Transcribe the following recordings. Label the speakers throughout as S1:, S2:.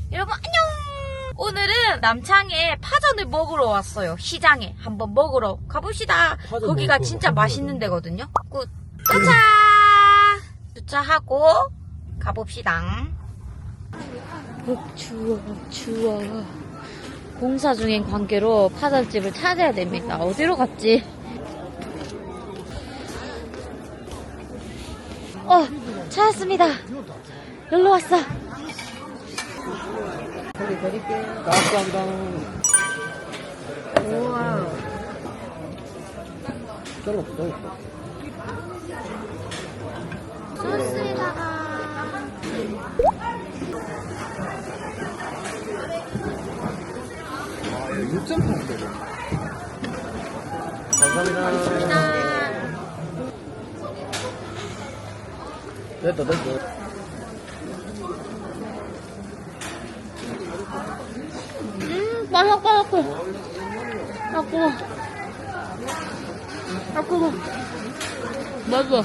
S1: 여러분 안녕. 오늘은 남창에 파전을 먹으러 왔어요. 시장에 한번 먹으러 가봅시다. 거기가 진짜 맛있는 데거든요. 굿. 도착. 주차하고 가봅시다. 추워. 공사 중인 관계로 파전집을 찾아야 됩니다. 어디로 갔지? 찾았습니다. 여기로 왔어.
S2: 감사합니다.
S1: 우와.
S2: 썰었어.
S1: 소스에다가.
S2: 6.8kg. 감사합니다. 됐다.
S1: 바삭바삭해. 아까워. 맛있어.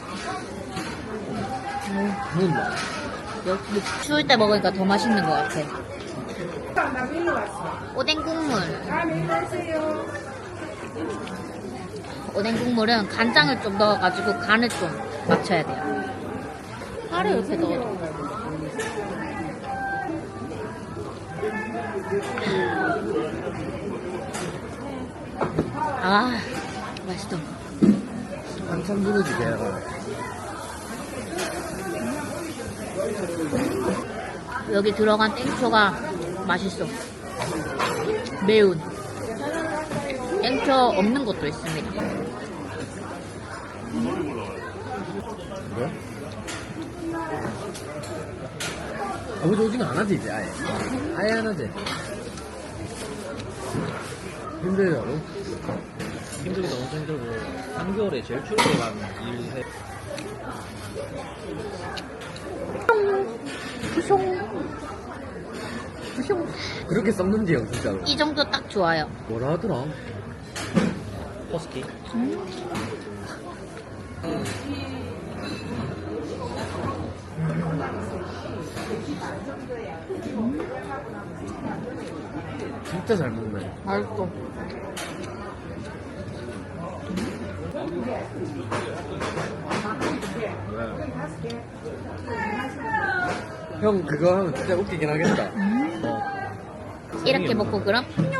S1: 역시 추울 때 먹으니까 더 맛있는 것 같아. 오뎅 국물. 오뎅 국물은 간장을 좀 넣어가지고 간을 좀 맞춰야 돼요. 파를 이렇게 넣어. 아, 맛있어.
S2: 한참 누르지, 걔가.
S1: 여기 들어간 땡초가 맛있어. 매운. 땡초 없는 것도 있습니다.
S2: 그래? 아버지 오징어 안 하지, 이제, 아예. 아예 안 하지. 힘들다고?
S3: 힘들기도 엄청 힘들고 3개월에 제일 추울 때 가면 일해.
S2: 그렇게 썩는지, 형, 진짜로.
S1: 이 정도 딱 좋아요.
S2: 뭐라 하더라?
S3: 허스키.
S2: 진짜 잘 먹네.
S1: 맛있어.
S2: 형, 그거 하면 진짜 웃기긴 하겠다.
S1: 이렇게 먹고 그럼